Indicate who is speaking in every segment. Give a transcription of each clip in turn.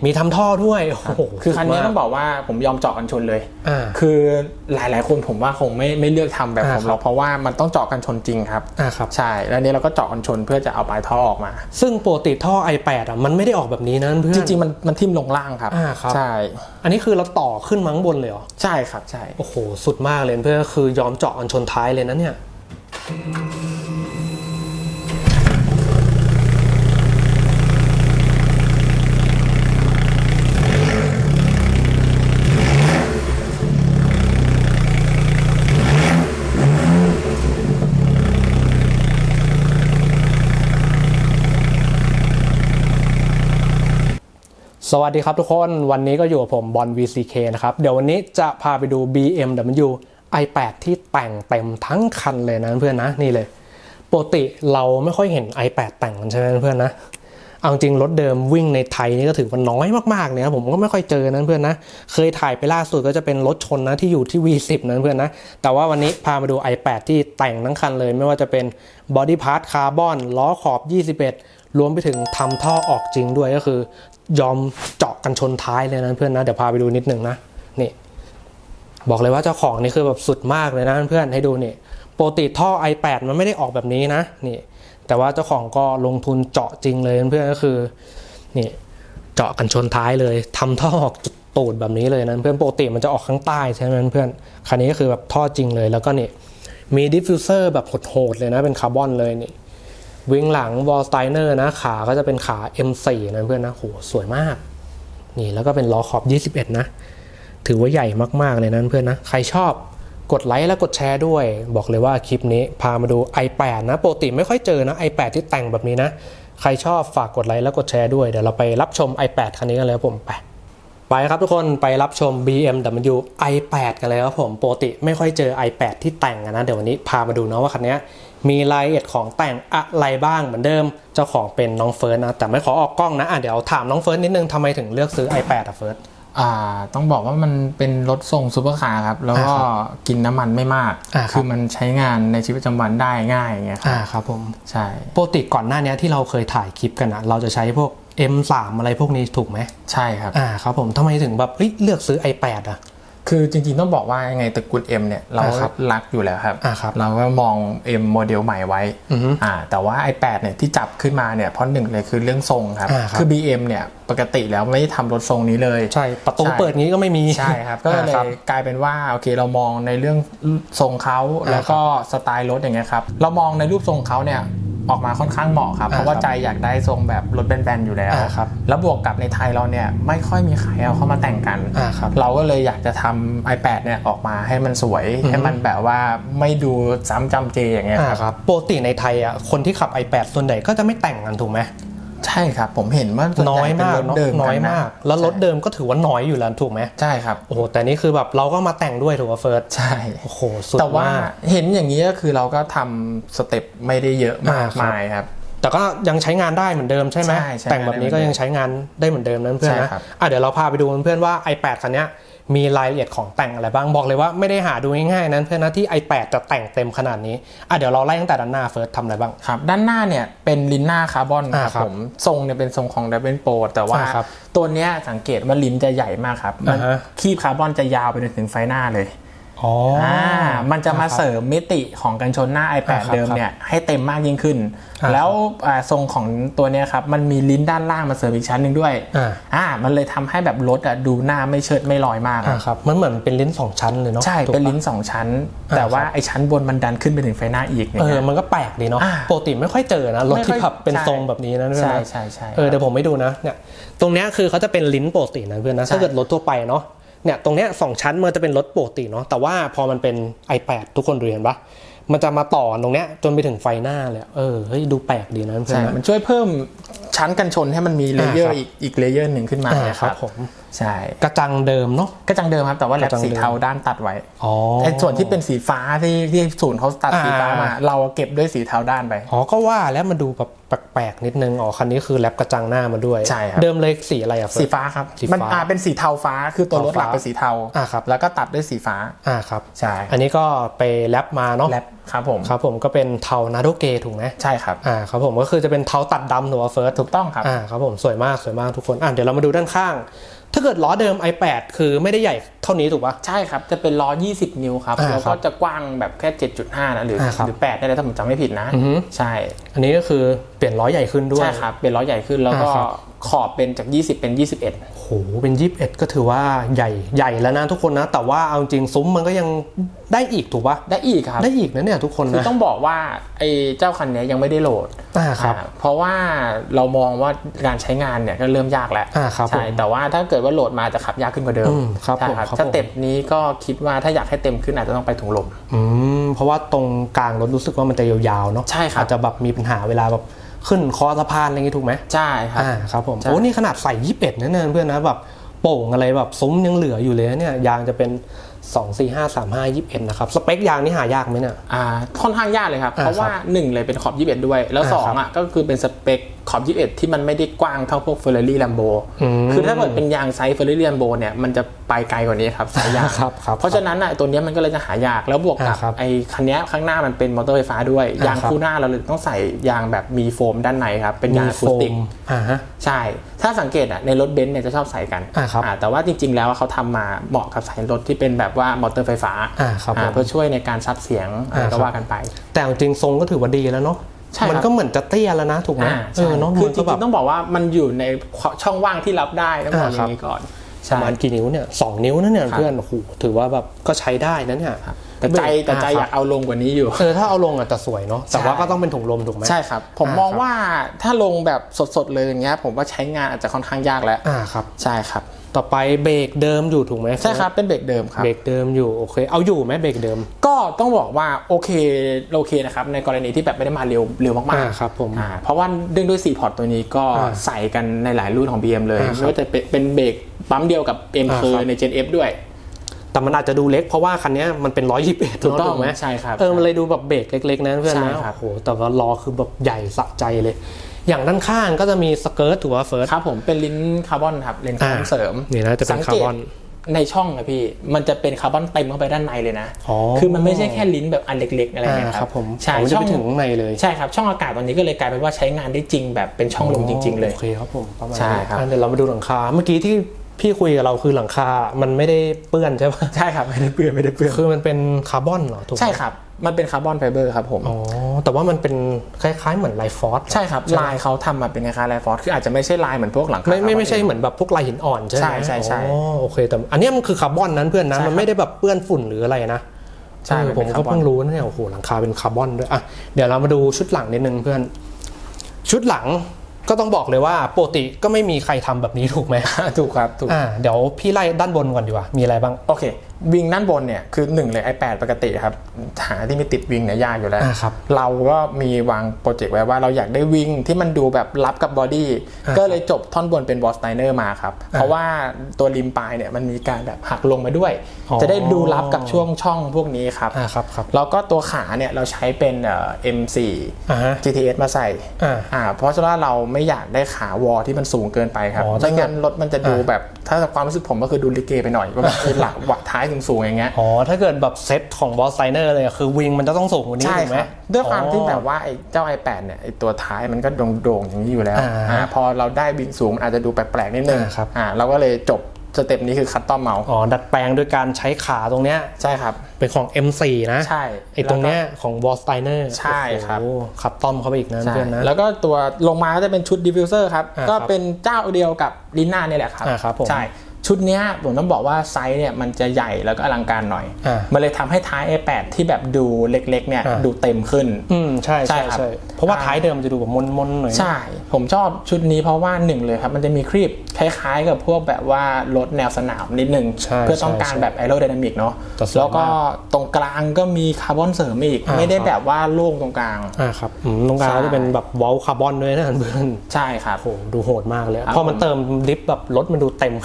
Speaker 1: มีทำท่อด้วยโอ้โห
Speaker 2: คือคันนี้ต้องบอกว่าผมยอมเจาะกันชนเลยคือหลายๆคนผมว่าคงไม่เลือกทำแบบผมหรอกเพราะว่ามันต้องเจาะกันชนจริงครับใช่แล้วนี้เราก็เจาะกันชนเพื่อจะเอาปลายท่อออกมา
Speaker 1: ซึ่งปกติท่อ i8 มันไม่ได้ออกแบบนี้นะเพื่อน
Speaker 2: จริงๆมันทิ่มลงล่างครับใช่
Speaker 1: อันนี้คือเราต่อขึ้นมาข้างบนเลยเหรอ
Speaker 2: ใช่ครับใช่
Speaker 1: โอ้โหสุดมากเลยเพื่อนคือยอมเจาะกันชนท้ายเลยนะเนี่ยสวัสดีครับทุกคนวันนี้ก็อยู่กับผมบอล VCK นะครับเดี๋ยววันนี้จะพาไปดู BMW i8 ที่แต่งเต็มทั้งคันเลยนะเพื่อนนะนี่เลยปกติเราไม่ค่อยเห็น i8 แต่งกันใช่ไหมเพื่อนนะเอาจริงรถเดิมวิ่งในไทยนี่ก็ถือว่าน้อยมากๆเนี่ยผมก็ไม่ค่อยเจอนะเพื่อนนะเคยถ่ายไปล่าสุดก็จะเป็นรถชนนะที่อยู่ที่ V10 นะเพื่อนนะแต่ว่าวันนี้พามาดู i8 ที่แต่งทั้งคันเลยไม่ว่าจะเป็นบอดี้พาร์ทคาร์บอนล้อขอบ21รวมไปถึงทำท่อออกจริงด้วยก็คือยอมเจาะกันชนท้ายเลยนะเพื่อนนะเดี๋ยวพาไปดูนิดนึงนะนี่บอกเลยว่าเจ้าของนี่คือแบบสุดมากเลยนะเพื่อนให้ดูนี่ปกติท่อ i8 มันไม่ได้ออกแบบนี้นะนี่แต่ว่าเจ้าของก็ลงทุนเจาะจริงเลยเพื่อนก็คือนี่เจาะกันชนท้ายเลยทำท่อออกตูดแบบนี้เลยนะเพื่อนปกติมันจะออกข้างใต้ใช่ไหมเพื่อนคันนี้ก็คือแบบท่อจริงเลยแล้วก็นี่มีดิฟฟิวเซอร์แบบโหดๆเลยนะเป็นคาร์บอนเลยนี่วิงหลังวอลสไตเนอร์นะขาก็จะเป็นขา M4 นะเพื่อนนะโหสวยมากนี่แล้วก็เป็นล้อขอบ21นะถือว่าใหญ่มากๆเลยนะเพื่อนนะใครชอบกดไลค์และกดแชร์ด้วยบอกเลยว่าคลิปนี้พามาดู i8 นะปกติไม่ค่อยเจอนะ i8 ที่แต่งแบบนี้นะใครชอบฝากกดไลค์และกดแชร์ด้วยเดี๋ยวเราไปรับชม i8 คันนี้กันเลยครับผมไปครับทุกคนไปรับชม BMW i8 กันเลยครับผมปกติไม่ค่อยเจอ i8 ที่แต่งนะเดี๋ยววันนี้พามาดูนะว่าคันนี้มีรายละเอียดของแต่งอะไรบ้างเหมือนเดิมเจ้าของเป็นน้องเฟิร์สนะแต่ไม่ขอออกกล้องนะเดี๋ยวถามน้องเฟิร์สนิดนึงทำไมถึงเลือกซื้อ i8 เฟิร์ส
Speaker 2: ต้องบอกว่ามันเป็นรถทรงซูเปอร์คาร์ครับแล้วก็กินน้ำมันไม่มากคือมันใช้งานในชีวิตประจำวันได้ง่ายอย่างเงี้ย
Speaker 1: ครับผม
Speaker 2: ใช่
Speaker 1: ปกติก่อนหน้านี้ที่เราเคยถ่ายคลิปกันนะเราจะใช้พวก M3 อะไรพวกนี้ถูกไหม
Speaker 2: ใช่ครับ
Speaker 1: ครับผมทำไมถึงแบบเลือกซื้อ i8
Speaker 2: คือจริงๆต้องบอกว่ายังไงตระกูล M เนี่ยเรารักอยู่แล้วครับเราก็มอง M โมเดลใหม่ไว้แต่ว่า i8 เนี่ยที่จับขึ้นมาเนี่ยเพราะหนึ่งเลยคือเรื่องทรงครับคือ BM เนี่ยปกติแล้วไม่ได้ทำรถทรงนี้เลย
Speaker 1: ใช่ประตูเปิดงี้ก็ไม่มี
Speaker 2: ใช่ครับก็เลยกลายเป็นว่าโอเคเรามองในเรื่องทรงเขาแล้วก็สไตล์รถอย่างเงี้ยครับเรามองในรูปทรงเขาเนี่ยออกมาค่อนข้างเหมาะครับเพราะว่าใจอยากได้ทรงแบบรถแบนๆอยู่แล้วแล้วบวกกับในไทยเราเนี่ยไม่ค่อยมีใครเอาเข้ามาแต่งกันเราก็เลยอยากจะทำ i8 เนี่ยออกมาให้มันสวยให้มันแบบว่าไม่ดูซ้ำจำเจอย่างเงี้ย
Speaker 1: ครับปกติในไทยคนที่ขับ i8 ส่วนใหญ่ก็จะไม่แต่งกันถูกไหม
Speaker 2: ใช่ครับผมเห็นว่า
Speaker 1: น้อยมากน้อยมากแล้วรถเดิมก็ถือว่าน้อยอยู่แล้วถูกไหม
Speaker 2: ใช่ครับ
Speaker 1: โอ้โหแต่นี่คือแบบเราก็มาแต่งด้วยถูกไหมเฟิร์ส
Speaker 2: ใช่
Speaker 1: โอ้โหสุด
Speaker 2: แต่ว่าเห็นอย่างนี้ก็คือเราก็ทำสเต็ปไม่ได้เยอะมากมายครับ
Speaker 1: แต่ก็ยังใช้งานได้เหมือนเดิมใช่ไหมแต่งแบบนี้ก็ยังใช้งานได้เหมือนเดิมนะเพื่อนนะเดี๋ยวเราพาไปดูเพื่อนว่า i8 คันนี้มีรายละเอียดของแต่งอะไรบ้างบอกเลยว่าไม่ได้หาดูง่ายๆนั้นเพื่อนนะที่ i8 จะแต่งเต็มขนาดนี้เดี๋ยวเราไล่ตั้งแต่ด้านหน้าเฟิร์สทำอะไรบ้าง
Speaker 2: ครับด้านหน้าเนี่ยเป็นลิ้นหน้าคาร์บอนครับผมทรงเนี่ยเป็นทรงของ Double Pro แต่ว่าตัวเนี้ยสังเกตว่าลิ้นจะใหญ่มากครับมันคีบคาร์บอนจะยาวไปถึงไฟหน้าเลยมันจะมาเสริมมิติของกันชนหน้า i8 เดิมเนี่ยให้เต็มมากยิ่งขึ้นแล้วทรงของตัวนี้ครับมันมีลิ้นด้านล่างมาเสริมอีกชั้นหนึ่งด้วยมันเลยทำให้แบบรถดูหน้าไม่เชิดไม่ลอยมาก
Speaker 1: ครับมันเหมือนเป็นลิ้น2ชั้นเลยเนาะ
Speaker 2: ใช่เป็นลิ้น2ชั้นแต่ว่าไอ้ชั้นบนมันดันขึ้นไปถึงไฟหน้าอีก
Speaker 1: มันก็แปลกดีเนาะปกติไม่ค่อยเจอนะรถที่ขับเป็นทรงแบบนี้นะ
Speaker 2: ใช่
Speaker 1: เดี๋ยวผมไม่ดูนะเนี่ยตรงนี้คือเขาจะเป็นลิ้นปกตินะเพื่อนนะถ้าเกิดรถทั่วไปเนาะเนี่ยตรงเนี้ย2ชั้นมันจะเป็นรถปกติเนาะแต่ว่าพอมันเป็น i8 ทุกคนเห็นปะมันจะมาต่อตรงเนี้ยจนไปถึงไฟหน้าเลยเฮ้ยดูแปลกดีนะเพื่อน
Speaker 2: มันช่วยเพิ่มชั้นกันชนให้มันมีเลเยอร์อีกเลเยอร์หนึ่งขึ้นมา
Speaker 1: ครับผม
Speaker 2: ใช่
Speaker 1: กระจังเดิมเนาะ
Speaker 2: กระจังเดิมครับแต่ว่าแลบสีเทาด้านตัดไว้ไอ้ส่วนที่เป็นสีฟ้าที่ศูนย์เขาตัดสีฟ้ามาเราเก็บด้วยสีเทาด้านไป
Speaker 1: ก็ว่าแล้วมันดูแบบแปลกๆนิดนึงคันนี้คือแลบกระจังหน้ามาด้วย
Speaker 2: ใช่ครับ
Speaker 1: เดิมเลยสีอะไร
Speaker 2: สีฟ้าครับมันเป็นสีเทาฟ้าคือตัวรถหลักเป็นสีเทา
Speaker 1: ครับ
Speaker 2: แล้วก็ตัดด้วยสีฟ้า
Speaker 1: ครับ
Speaker 2: ใช่
Speaker 1: อันนี้ก็ไปแลบมาเนาะ
Speaker 2: แลบครับ
Speaker 1: ผมก็เป็นเทานาโดเกถูกไหม
Speaker 2: ใช่ครับ
Speaker 1: ครับผมก็คือจะเป็นเทาตัดดำถูกไหมเฟิร์ส
Speaker 2: ถูกต้องครับ
Speaker 1: ครับผมสวยมากทุกคนเดี๋ยวเรามาดูด้านข้างถ้าเกิดล้อเดิม i8 คือไม่ได้ใหญ่เท่านี้ถูกปะ
Speaker 2: ใช่ครับจะเป็นล้อ20 นิ้วครับแล้วก็จะกว้างแบบแค่ 7.5 นะหรือ8ได้เลยถ้าผมจำไม่ผิดนะใช่
Speaker 1: อันนี้ก็คือเปลี่ยนล้อใหญ่ขึ้นด้วย
Speaker 2: ใช่ครับเป็นล้อใหญ่ขึ้นแล้วก็ขอบเป็นจาก20เป็น21
Speaker 1: โหเป็น21ก็ถือว่าใหญ่แล้วนะทุกคนนะแต่ว่าเอาจริงซุ้มมันก็ยังได้อีกถูกปะ
Speaker 2: ได้อีกครับ
Speaker 1: ได้อีกนะเนี่ยทุกคนนะ
Speaker 2: คือต้องบอกว่าไอ้เจ้าคันนี้ยังไม่ได้โหลด
Speaker 1: ครับ
Speaker 2: เพราะว่าเรามองว่าการใช้งานเนี่ยก็เริ่มยากแล้วใช่แต่ว่าถ้าเกิดว่าโหลดมาจะขับยากขึ้นกว่าเดิม
Speaker 1: ใช่ครับ
Speaker 2: สเต็ปนี้ก็คิดว่าถ้าอยากให้เต็มขึ้นอาจจะต้องไปถุงลม
Speaker 1: เพราะว่าตรงกลางรถรู้สึกว่ามันจะยาวๆเนาะ
Speaker 2: ใช่ครับ
Speaker 1: อาจจะแบบมีปัญหาเวลาแบบขึ้นคอสะพานอะไรอย่างงี้ถูกไหม
Speaker 2: ใช่ครับ
Speaker 1: ครับผมโอ้นี่ขนาดใส่21นะเนี่ยเพื่อนนะแบบโป่งอะไรแบบซุ้มยังเหลืออยู่เลยเนี่ยยางจะเป็น245/35/21นะครับสเปคยางนี่หายากไหมเนี่ย
Speaker 2: ค่อนข้างยากเลยครับเพราะว่า1เลยเป็นขอบ21ด้วยแล้ว2ก็คือเป็นสเปคขอบ21ที่มันไม่ได้กว้างเท่าพวก Ferrari Lambo คือถ้าเกิดเป็นยางไซส์ Ferrari Lambo เนี่ยมันจะไปไกลกว่านี้ครับสายยางเพราะฉะนั้นตัวนี้มันก็เลยจะหายากแล้วบวกกับไอ้คันนี้ข้างหน้ามันเป็นมอเตอร์ไฟฟ้าด้วยยางคู่หน้าเราเลยต้องใส่ยางแบบมีโฟมด้านในครับเป็นยางอะคูสติกใช่ถ้าสังเกตในรถเบนซ์เนี่ยจะชอบใส่กันแต่ว่าจริงๆแล้วเขาทำมาเหมาะกับสายรถที่เป็นแบบว่ามอเตอร์ไฟฟ้าเพื่อช่วยในการซับเสียงก็ว่ากันไป
Speaker 1: แต่จริงทรงก็ถือว่าดีแล้วเนาะมันก็เหมือนจะเตี้ยแล้วนะถูกไหม
Speaker 2: เนาะคือจริงๆต้องบอกว่ามันอยู่ในช่องว่างที่รับได้ต้องบอกอย่างนี้ก่อน
Speaker 1: ประมาณกี่นิ้วเนี่ย2 นิ้วนะเนี่ยเพื่อนโอ้โหถือว่าแบบก็ใช้ได้นะเนี่ย
Speaker 2: แต่ใจอยากเอาลงกว่านี้อยู่
Speaker 1: ถ้าเอาลงอาจจะสวยเนาะแต่ว่าก็ต้องเป็นถุงลมถูกไหม
Speaker 2: ใช่ครับผมมองว่าถ้าลงแบบสดๆเลยอย่างเงี้ยผมว่าใช้งานอาจจะค่อนข้างยากแล้ว
Speaker 1: ครับ
Speaker 2: ใช่ครับ
Speaker 1: ต่อไปเบรกเดิมอยู่ถูกไหม
Speaker 2: ใช่ครับเป็นเบรกเดิมครับ
Speaker 1: เบรกเดิมอยู่โอเคเอาอยู่ไหมเบรกเดิม
Speaker 2: ก็ต้องบอกว่าโอเคนะครับในกรณีที่แบบไม่ได้มาเร็วมาก
Speaker 1: ๆครับผม
Speaker 2: เพราะว่าด้วย4พอร์ตตัวนี้ก็ใส่กันในหลายรุ่นของ BM เลยไม่ว่าจะเป็นเบรกปั๊มเดียวกับ M เคยใน Gen F ด้วย
Speaker 1: แต่มันอาจจะดูเล็กเพราะว่าคันนี้มันเป็น121
Speaker 2: ถูกต้องไหมใช่ครับ
Speaker 1: มันเลยดูแบบเบรกเล็กๆนะเพื่อนนะโอ้โหแต่ว่าล้อคือแบบใหญ่สะใจเลยอย่างด้านข้างก็จะมีสเกิร์ตถูกป่ะเฟิร์ส
Speaker 2: ครับผมเป็นลิ้นคาร์บอนครับลิ้นคาร์บอนเสริม
Speaker 1: นี่นะจะเป็นคาร์บอน
Speaker 2: ในช่องนะพี่มันจะเป็นคาร์บอนเต็มเข้าไปด้านในเลยนะคือมันไม่ใช่แค่ลิ้นแบบอันเล็กๆอะไรนะครับ
Speaker 1: ผม
Speaker 2: ใช่
Speaker 1: ช่องถึงในเลย
Speaker 2: ใช่ครับช่องอากาศตอนนี้ก็เลยกลายเป็นว่าใช้งานได้จริงแบบเป็นช่องลมจริงๆเลย
Speaker 1: โอเคครับผมประมาณ
Speaker 2: ใช่ครับ
Speaker 1: เดี๋ยวเรามาดูหลังคาเมื่อกี้ที่พี่คุยกับเราคือหลังคามันไม่ได้เปื้อนใช่ป่ะ
Speaker 2: ใช่ครับไม่ได้เปื้อน
Speaker 1: คือมันเป็นคาร์บอนเหรอถูก
Speaker 2: ใช่ครับมันเป็นคาร์บอนไฟเบอร์ครับผม
Speaker 1: แต่ว่ามันเป็นคล้ายๆเหมือนลายฟอส
Speaker 2: ใช่ครับลายเขาทำมาเป็นคล้ายๆลายฟอสคืออาจจะไม่ใช่ลายเหมือนพวกหลังคา
Speaker 1: ไม่ใช่เหมือนแบบพวกลายหินอ่อนใช่ไหม
Speaker 2: ใช่
Speaker 1: โอเคแต่อันนี้มันคือคาร์บอนนั้นเพื่อนนะมันไม่ได้แบบเปื้อนฝุ่นหรืออะไรนะ
Speaker 2: ใช่
Speaker 1: ผมก็เพิ่งรู้นะเนี่ยโอ้โหหลังคาเป็นคาร์บอนด้วยอ่ะเดี๋ยวเรามาดูชุดหลังนิดนึงเพื่อนชุดหลังก็ต้องบอกเลยว่าปกติก็ไม่มีใครทำแบบนี้ถูกไหม
Speaker 2: ถูกครับถูก
Speaker 1: เดี๋ยวพี่ไล่ด้านบนก่อนดีกว่ามีอะไรบ้าง
Speaker 2: โอเควิงด้านบนเนี่ยคือ1เลย i8 ปกติครับหาที่ไม่ติดวิงเนี่ยยากอยู่แล้วเราก็มีวางโปรเจกต์ไว้ว่าเราอยากได้วิงที่มันดูแบบรับกับบอดี้ก็เลยจบท่อนบนเป็นวอลสไตเนอร์มาครับเพราะว่าตัวริมปลายเนี่ยมันมีการแบบหักลงมาด้วยจะได้ดูรับกับช่องพวกนี้ครับแล้วก็ตัวขาเนี่ยเราใช้เป็น M4 GTS มาใส่เพราะว่าเราไม่อยากได้ขาวอที่มันสูงเกินไปครับไม่งั้นรถมันจะดูแบบถ้าความรู้สึกผมก็คือดูลิเกไปหน่อยว่าแบบหลังวัดท้ายสูงๆอย่างเงี้ย
Speaker 1: ถ้าเกิดแบบเซตของบอสไซเนอร์เลยคือวิงมันจะต้องสูงกว่านี้ถูกไหม
Speaker 2: ด้วยความที่แบบว่าไอ้เจ้า i8 เนี่ยไอ้ตัวท้ายมันก็โด่งๆอย่างนี้อยู่แล้วพอเราได้วิงสูงอาจจะดูแปลกๆนิดนึงเราก็เลยจบสเต็ปนี้คือคัสตอมเมาส์
Speaker 1: ดัดแปลงโดยการใช้ขาตรงเนี้ย
Speaker 2: ใช่ครับ
Speaker 1: เป็นของ M4 นะ
Speaker 2: ใช่
Speaker 1: ไอ้ตรงเนี้ยของบอสไซเนอร์
Speaker 2: ใช่ครับ
Speaker 1: คัสตอมเข้าไปอีกนะเพื่อนนะ
Speaker 2: แล้วก็ตัวลงมาก็จะเป็นชุดดิฟฟิวเซอร์ครับก็เป็นเจ้าเดียวกับลิน่านี่แหละครับใช่ชุดนี้ผมต้องบอกว่าไซส์เนี่ยมันจะใหญ่แล้วก็อลังการหน่อยมันเลยทำให้ท้าย i8 ที่แบบดูเล็กๆเนี่ยดูเต็มขึ้น
Speaker 1: ใช่ครับเพราะว่าท้ายเดิมจะดูแบบมนๆหน่อย
Speaker 2: ใช่ผมชอบชุดนี้เพราะว่า1เลยครับมันจะมีครีบคล้ายๆกับพวกแบบว่ารถแนวสนามนิดนึงเพื่อต้องการแบบแอโรไดนามิกเนาะแล้วก็ตรงกลางก็มีคาร์บอนเสริมอีกไม่ได้แบบว่าโล่งตรงกลาง
Speaker 1: ครับตรงกลางก็จะเป็นแบบวอลคาร์บอนด้วยนะเพื่อน
Speaker 2: ใช่ครับ
Speaker 1: โหดูโหดมากเลยพอมันเติมลิฟต์แบบรถมันดูเต็มขึ้นมากเลย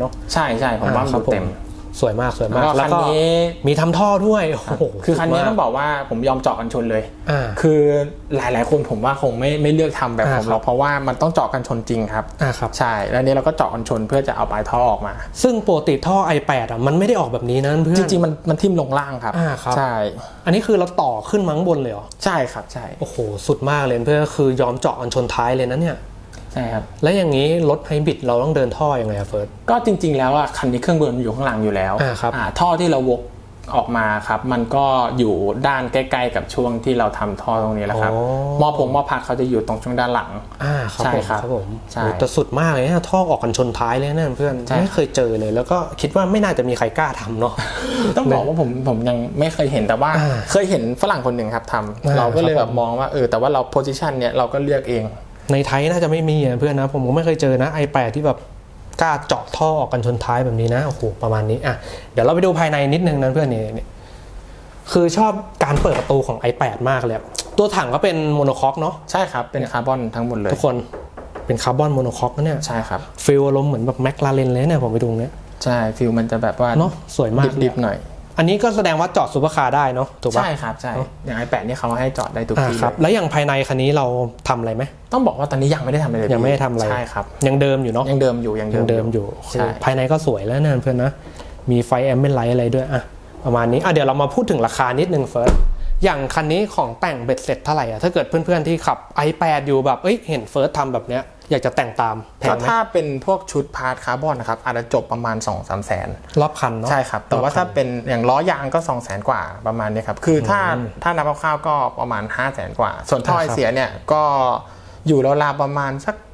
Speaker 1: เนาะ
Speaker 2: ใช่ใช่ผมว่ามันดูเต็ม
Speaker 1: สวยมากสวยมาก
Speaker 2: แล้วก็
Speaker 1: มีทำท่อด้วยโอ้โห
Speaker 2: คือคันนี้ต้องบอกว่าผมยอมเจาะกันชนเลยคือหลายๆคนผมว่าคงไม่เลือกทำแบบผมหรอกเพราะว่ามันต้องเจาะกันชนจริงครับใช่แล้วนี้เราก็เจาะกันชนเพื่อจะเอาปลายท่อออกมา
Speaker 1: ซึ่งปกติท่อ i8 อ่ะมันไม่ได้ออกแบบนี้นะเพื่อน
Speaker 2: จริงๆมันทิ่มลงล่างครับใช่
Speaker 1: อันนี้คือเราต่อขึ้นมาข้างบนเลยเหรอ
Speaker 2: ใช่ครับใช่
Speaker 1: โอ้โหสุดมากเลยเพื่อนคือยอมเจาะกันชนท้ายเลยนะเนี่ย
Speaker 2: ใช่ครับ
Speaker 1: แล้วอย่างนี้รถไฮบริดเราต้องเดินท่อยังไงครับเฟิร์ส
Speaker 2: ก็จริงๆแล้วอ่ะคันนี้เครื่องยนต์อยู่ข้างหลังอยู่แล้วท่อที่เราวกออกมาครับมันก็อยู่ด้านใกล้ๆกับช่วงที่เราทำท่อตรงนี้แหละครับหม้อพักเขาจะอยู่ตรงช่วงด้านหลัง
Speaker 1: ใช่ครับผมแต่สุดมากเลยนะท่อออกกันชนท้ายเลยนะเพื่อนไม่เคยเจอเลยแล้วก็คิดว่าไม่น่าจะมีใครกล้าทำเนาะ
Speaker 2: ต้องบอกว่าผมยังไม่เคยเห็นแต่ว่าเคยเห็นฝรั่งคนหนึ่งครับทำเราก็เลยแบบมองว่าแต่ว่าเราโพสิชันเนี่ยเราก็เลือกเอง
Speaker 1: ในไทยน่าจะไม่มีเพื่อนนะผมก็ไม่เคยเจอนะ i8 ที่แบบกล้าเจาะท่อออกกันชนท้ายแบบนี้นะโอ้โหประมาณนี้เดี๋ยวเราไปดูภายในนิดนึงนะเพื่อนนี่คือชอบการเปิดประตูของ i8 มากเลยตัวถังก็เป็นโมโนคอกเนาะ
Speaker 2: ใช่ครับเป็นคาร์บอนทั้งหมดเลย
Speaker 1: ทุกคนเป็นคาร์บอนโมโนคอกนะเนี่ย
Speaker 2: ใช่ครับ
Speaker 1: ฟีลอารมณ์เหมือนแบบแมคลาเรนเลยเนี่ยผมไปดูเนี่ย
Speaker 2: ใช่ฟีลมันจะแบบว่า
Speaker 1: เนาะสวยมาก
Speaker 2: ดิบๆหน่อย
Speaker 1: อันนี้ก็แสดงว่าจอดซุปเปอร์คาร์ได้เนาะถูกป่ะ
Speaker 2: ใช่ครับใช่อย่าง i8 นี่เขาให้จอดได้ทุกที่
Speaker 1: ครับแล้วอย่างภายในคันนี้เราทำอะไรไหม
Speaker 2: ต้องบอกว่าตอนนี้ยังไม่ได้ทำอะไรเลย
Speaker 1: ยังไม่ได้ทำอะไร
Speaker 2: ใช่ครับ
Speaker 1: ยังเดิมอยู่เนาะ
Speaker 2: ยังเดิมอยู่
Speaker 1: ภายในก็สวยแล้วนะเพื่อนนะมีไฟแอมเบนไลท์อะไรด้วยประมาณนี้เดี๋ยวเรามาพูดถึงราคานิดนึงเฟิร์สอย่างคันนี้ของแต่งเบ็ดเสร็จเท่าไหร่ถ้าเกิดเพื่อนๆที่ขับ i8 อยู่แบบเห็นเฟิร์สทำแบบเนี้ยอยากจะแต่งตามแพงไหม
Speaker 2: ถ้าเป็นพวกชุดพาร์ทคาร์บอนนะครับอาจจะจบประมาณ 2-3 แสน
Speaker 1: รอบคันเนาะ
Speaker 2: ใช่ครับแต่ว่าถ้าเป็นอย่างล้อยางก็ 200,000 กว่าประมาณนี้ครับคือถ้านับคร่าวๆก็ประมาณ 500,000 กว่าส่วนท่อไอเสียเนี่ยก็อยู่ราวๆประมาณสัก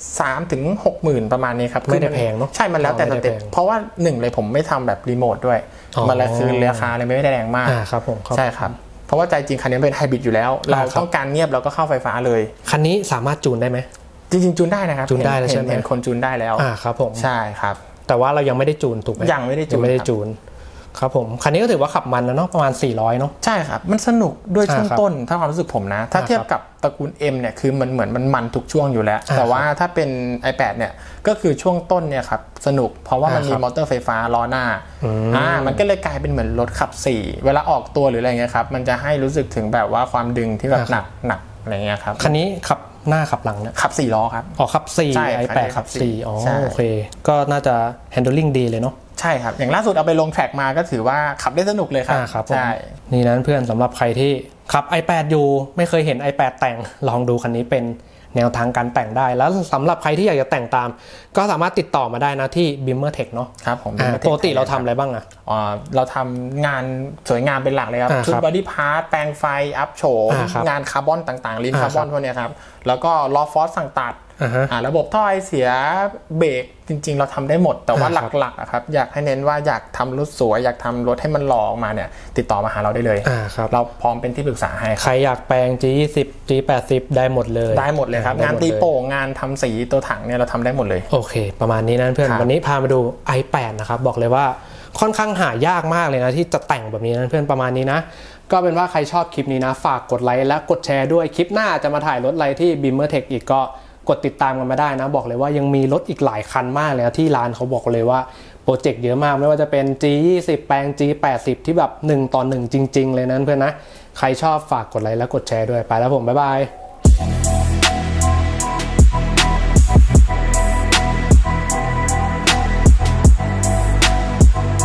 Speaker 2: 3-60,000ประมาณนี้ครับ
Speaker 1: ไม่ได้แพงเนาะ
Speaker 2: ใช่มันแล้วแต่สเต็ปเพราะว่า1เลยผมไม่ทำแบบรีโมทด้วยมันละคือราคาเลยไม่ได้แรงมาก
Speaker 1: ครับผม
Speaker 2: ใช่ครับเพราะว่าใจจริงคันนี้เป็นไฮบริดอยู่แล้วเราต้องการเงียบเราก็เข้าไฟฟ้าเลย
Speaker 1: คันนี้สามารถจูนได้ไหม
Speaker 2: จริงๆจูนได้นะครับ
Speaker 1: จูนได้แล้วใช่ไหม
Speaker 2: เห็นคนจูนได้แล้ว
Speaker 1: ครับผม
Speaker 2: ใช่ครับ
Speaker 1: แต่ว่าเรายังไม่ได้จูนถูกไหม
Speaker 2: ยังไม่ได้จูน
Speaker 1: ครับผมคันนี้ก็ถือว่าขับมันนะเนาะประมาณ400เนาะ
Speaker 2: ใช่ครับมันสนุกด้วยช่วงต้นถ้าความรู้สึกผมนะถ้าเทียบกับตระกูล M เนี่ยคือมันเหมือนมันทุกช่วงอยู่แล้วแต่ว่าถ้าเป็น i8 เนี่ยก็คือช่วงต้นเนี่ยครับสนุกเพราะว่ามันมีมอเตอร์ไฟฟ้าล้อหน้ามันก็เลยกลายเป็นเหมือนรถขับ4เวลาออกตัวหรืออะไรเงี้ยครับมันจะให้รู้สึกถึงแบบว่าความดึงที่แบบหนักอะไรเงี้ยครับ
Speaker 1: คันนี้ขับหน้าขับหลังเนี่ย
Speaker 2: ขับ4ล้อครับ
Speaker 1: ขับ4 i8 ขับ4โอเคก็น่าจะ handling ดีเลยเนาะ
Speaker 2: ใช่ครับอย่างล่าสุดเอาไปลงแทร็กมาก็ถือว่าขับได้สนุกเลยครับ
Speaker 1: ใช่นี่นั้นเพื่อนสำหรับใครที่ขับ i8 อยู่ไม่เคยเห็น i8 แต่งลองดูคันนี้เป็นแนวทางการแต่งได้แล้วสำหรับใครที่อยากจะแต่งตามก็สามารถติดต่อมาได้นะที่ Bimmer Tech เนาะ
Speaker 2: ครับผม
Speaker 1: ปกติเราทำอะไรบ้าง
Speaker 2: เราทำงานสวยงามเป็นหลักเลยครับชุดบอดี้พาร์ทแปลงไฟอัพโฉมงานคาร์บอนต่างๆลิ้นคาร์บอนพวกนี้ครับแล้วก็ล้อฟอสสั่งตัดระบบท่อไอเสียเบรกจริงๆเราทำได้หมดแต่ว่าหลักๆครับอยากให้เน้นว่าอยากทำรถสวยอยากทำรถให้มันหล่อออกมาเนี่ยติดต่อมาหาเราได้เลยเราพร้อมเป็นที่ปรึกษาให้
Speaker 1: ใครอยากแปลง G20 G80 ได้หมดเลย
Speaker 2: ครับงานตีโป่งงานทำสีตัวถังเนี่ยเราทำได้หมดเลย
Speaker 1: โอเคประมาณนี้นะเพื่อนวันนี้พามาดู i8 นะครับบอกเลยว่าค่อนข้างหายากมากเลยนะที่จะแต่งแบบนี้นะเพื่อนประมาณนี้นะก็เป็นว่าใครชอบคลิปนี้นะฝากกดไลค์และกดแชร์ด้วยคลิปหน้าจะมาถ่ายรถอะไรที่ Bimmer Tech อีกก็กดติดตามกันมาได้นะบอกเลยว่ายังมีรถอีกหลายคันมากเลยนะที่ร้านเขาบอกเลยว่าโปรเจกต์เยอะมากไม่ว่าจะเป็น G20 แปลง G80 ที่แบบ1 ต่อ 1จริงๆเลยนะเพื่อนนะใครชอบฝากกดไลค์และกดแชร์ด้วยไปแล้วผมบ๊ายบาย